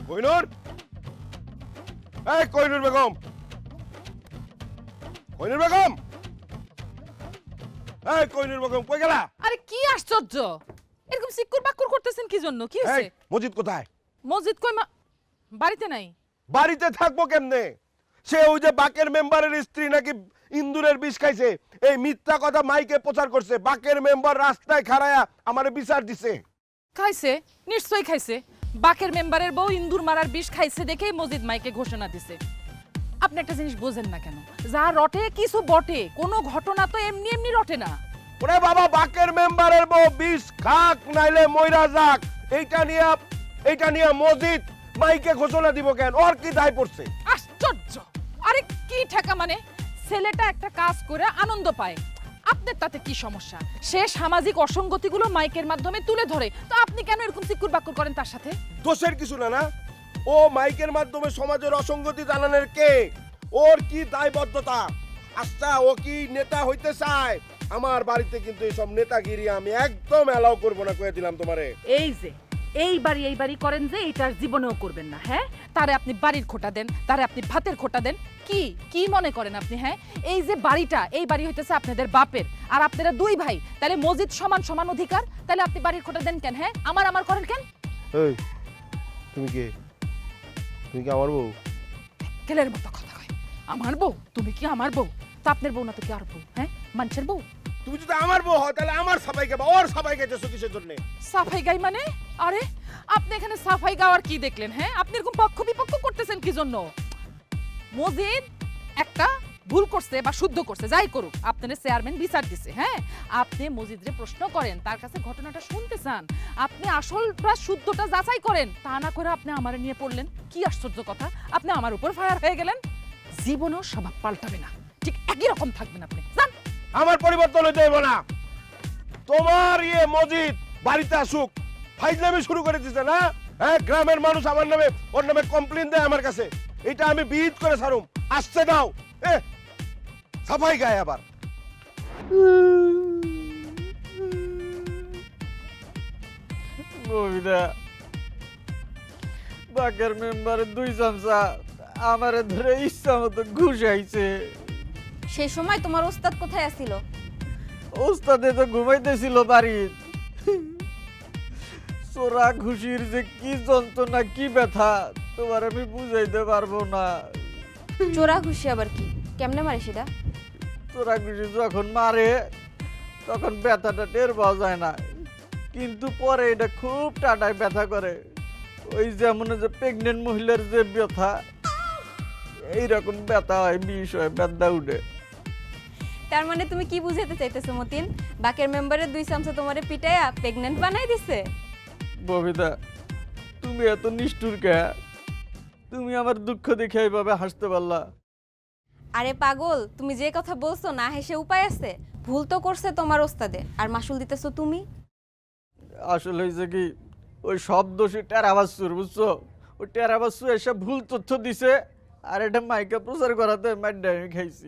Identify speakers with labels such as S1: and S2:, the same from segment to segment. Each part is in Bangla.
S1: কোহিনূর, এই কোহিনূর বেগম, কোহিনূর বেগম, এই কোহিনূর বেগম কই গেলা?
S2: আরে কি আশ্চর্য, এরকম সিক্কুর বাক্কুর করতেছেন কি জন্য? কি
S1: এই
S2: হয়েছে?
S1: মজিদ কোথায়?
S2: মসজিদ কই বাড়িতে নাই।
S1: বাড়িতে থাকবো কেমনে? সে ওই যে বাকের মেম্বারের স্ত্রী নাকি ইন্দুরের বিষ খাইছে, এই মিথ্যা কথা মাইকে প্রচার করছে। বাকের মেম্বার রাস্তায় খাড়ায়া আমারে বিচার দিছে।
S2: খাইছে, নিশ্চয়ই খাইছে। বাকের মেম্বারের বউ ইন্দুর মারার বিষ খাইছে দেখেই মসজিদ মাইকে ঘোষণা দিছে। আপনি একটা জিনিস বোঝেন না কেন? যা রটে কিছু বটে, কোনো ঘটনা তো এমনি এমনি রটে না।
S1: ওরে বাবা, বাকের মেম্বারের বউ বিষ খাক নাইলে মইরা যাক, এইটা নিয়ে মসজিদ মাইকে ঘোষণা দিব কেন? ওর কি দায় পড়ছে?
S2: আশ্চর্য! আরে কি ঠেকা মানে? ছেলেটা একটা কাজ করে আনন্দ পায়, আপনার তাতে কি সমস্যা? সে সামাজিক অসঙ্গতিগুলো মাইকের মাধ্যমে তুলে ধরে, তো আপনি কেন এরকম সিক্কুর বাক্কুর করেন তার সাথে?
S1: দোষের কিছু না। ও মাইকের মাধ্যমে সমাজের অসঙ্গতি জানানোর কে? ওর কি দায়বদ্ধতা? আচ্ছা, ও কি নেতা হইতে চায়? আমার বাড়িতে কিন্তু এইসব নেতাগিরি আমি একদম অ্যালাউ করবো না, কয়ে দিলাম তোমারে।
S2: এই যে এই বাড়ি করেন যে এটার জীবনেও করবেন না। হ্যাঁ, তারে আপনি বাড়ির খোটা দেন, তারে আপনি ভাতের খোটা দেন। কি কি মনে করেন আপনি? হ্যাঁ, এই যে বাড়িটা, এই বাড়ি হইতেছে আপনাদের বাপের, আর আপনারা দুই ভাই, তাহলে মসজিদ সমান সমান অধিকার। তাহলে আপনি বাড়ির খোটা দেন কেন? হ্যাঁ, আমার করেন কেন?
S1: এই তুমি কি আমার বউ?
S2: কেলের মতো কথা কয়। আমার বউ? তুমি কি আমার বউ? তা আপনার বউ না তো কি আর বউ? হ্যাঁ, মানুষের বউ।
S1: তুমি যদি আমার বউ হয় তাহলে আমার সাফাই গাবা, ওর সাফাই গাইতেছো কিসের জন্য?
S2: সাফাই গাই মানে? আরে আপনি এখানে সাফাই গাওয়ার কি দেখলেন? হ্যাঁ, আপনি এরকম পক্ষ বিপক্ষ করতেছেন কি জন্য? মসজিদ একটা ভুল করছে বা শুদ্ধ করছে, যাই করুক, আপনার চেয়ারম্যান বিচার দিছে। হ্যাঁ, আপনি মসজিদরে প্রশ্ন করেন, তার কাছে ঘটনাটা শুনতে চান, আপনি আসলটা শুদ্ধটা যাচাই করেন, তা না করে আপনি আমারে নিয়ে পড়লেন। কি আশ্চর্য কথা! আপনি আমার উপর ফায়ার হয়ে গেলেন। জীবনেও স্বভাব পাল্টাবে না, ঠিক একই রকম থাকবেন আপনি। জান,
S1: আমার পরিবর্তন হইতে হইব না। তোমার মসজিদ বাড়িতে আসুক, ফাইজলামি শুরু করে দিছে না? হ্যাঁ, গ্রামের মানুষ আমার নামে ওর নামে কমপ্লেন দেয় আমার কাছে, এটা আমি বিহিত করে ছাড়ুম। আসছে দাও, সাফাই গায় আবার।
S3: মহিলা বাকের মেম্বারের 2 চামচা আমারে ধরে ইচ্ছা মতো ঘুষাইছে।
S4: সেই সময় তোমার ওস্তাদ কোথায় আছিল?
S3: ওস্তাদে তো ঘুমাইতেছিল বাড়ির। চোরা ঘুষির যে কি যন্ত্রণা, কি ব্যথা তোমার আমি বুঝাইতে পারবো না।
S4: চোরা ঘুষি আবার কি? কেমনে মারে সেটা?
S3: চোরা ঘুষি যখন মারে তখন ব্যথাটা টের পাওয়া যায় না, কিন্তু পরে এটা খুব টাটায় ব্যথা করে। ওই যেমন যে প্রেগনেন্ট মহিলার যে ব্যথা, এইরকম ব্যথা হয়, বিষ হয়, ব্যথা উঠে।
S4: তার মানে তুমি কি বুঝাতে চাইতেছো মতিন? বাকের মেম্বারের 2 চামচা তোমারে পিটাইয়া প্রেগন্যান্ট বানাই দিছে?
S3: ববিতা, তুমি এত নিষ্ঠুর কে? তুমি আমার দুঃখ দেখে এইভাবে হাসতে পারলা?
S4: আরে পাগল, তুমি যে কথা বলছো না হেসে উপায় আছে? ভুল তো করছে তোমার ওস্তাদে, আর মাসুল দিতেছো তুমি।
S3: আসলে হয়েছে কি, ওই সব দোষী টেরাবাসুর, বুঝছো? ওই টেরাবাসু এসব ভুল তথ্য দিছে, আর এটা মাইকে প্রচার করাতে মাইডা আমি খাইছি।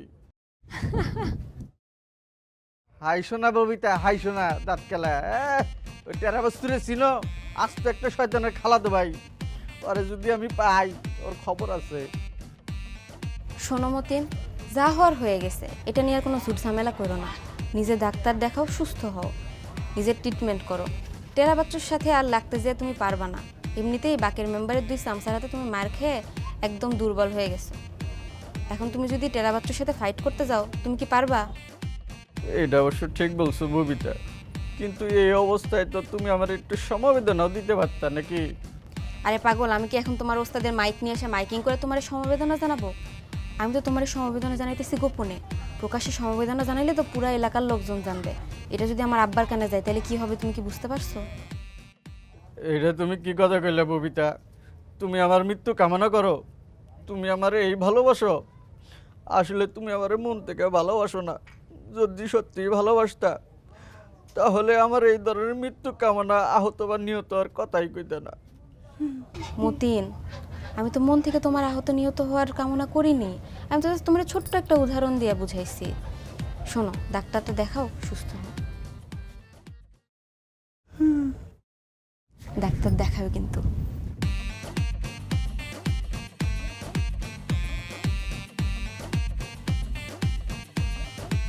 S3: হাই শোনা ববিতা, হাই শোনা দাঁত খেলা। ওই টেরাবাসুরে চিনো? আজ তো একটা শয়তানের খালাতো ভাই, ওরে যদি আমি পাই, ওর খবর আছে।
S4: শোনো মতিন, যা হওয়ার হয়ে গেছে, এটা নিয়ে আর কোনো ঝুট ঝামেলা করো না। নিজে ডাক্তার দেখাও, সুস্থ হও, নিজের ট্রিটমেন্ট করো। টেরা বাচ্চার সাথে আর লাগতে যেয়ে তুমি পারবা না। এমনিতেই বাকের মেম্বারের 2 চামচার হাতে তুমি মার খেয়ে একদম দুর্বল হয়ে গেছো। এখন তুমি যদি টেরা বাচ্চার সাথে ফাইট করতে যাও, তুমি কি পারবা?
S3: এটা অবশ্য ঠিক বলছো ববিতা, কিন্তু এই অবস্থায় তো তুমি আমার একটু সমবেদনাও দিতে পারতা নাকি?
S4: আরে পাগল, আমি কি এখন তোমার ওস্তাদের মাইক নিয়ে এসে মাইকিং করে তোমার সমবেদনা জানাবো? আমি তো তোমার সমবেদনা জানাইতেছি গোপনে। প্রকাশ্যে সমবেদনা জানাইলে তো পুরো এলাকার লোকজন জানবে। এটা যদি আমার আব্বার কানে যায় তাহলে কি হবে, তুমি কি বুঝতে পারছো?
S3: এটা তুমি কি কথা কইলে ববিতা? তুমি আমার মৃত্যু কামনা করো? তুমি আমার এই ভালোবাসো? আসলে তুমি আমার মন থেকে ভালোবাসো না। যদি সত্যি ভালোবাসতা তাহলে আমার এই ধরনের মৃত্যু কামনা, আহত বা নিহত আর কথাই কইতে না।
S4: মতিন, আমি তো মন থেকে তোমার আহত নিহত হওয়ার কামনা করিনি। আমি তো তোমার ছোট্ট একটা উদাহরণ দিয়ে বুঝাইছি। শোনো, ডাক্তারটা দেখাও, সুস্থ হও। ডাক্তার দেখাবে কিন্তু।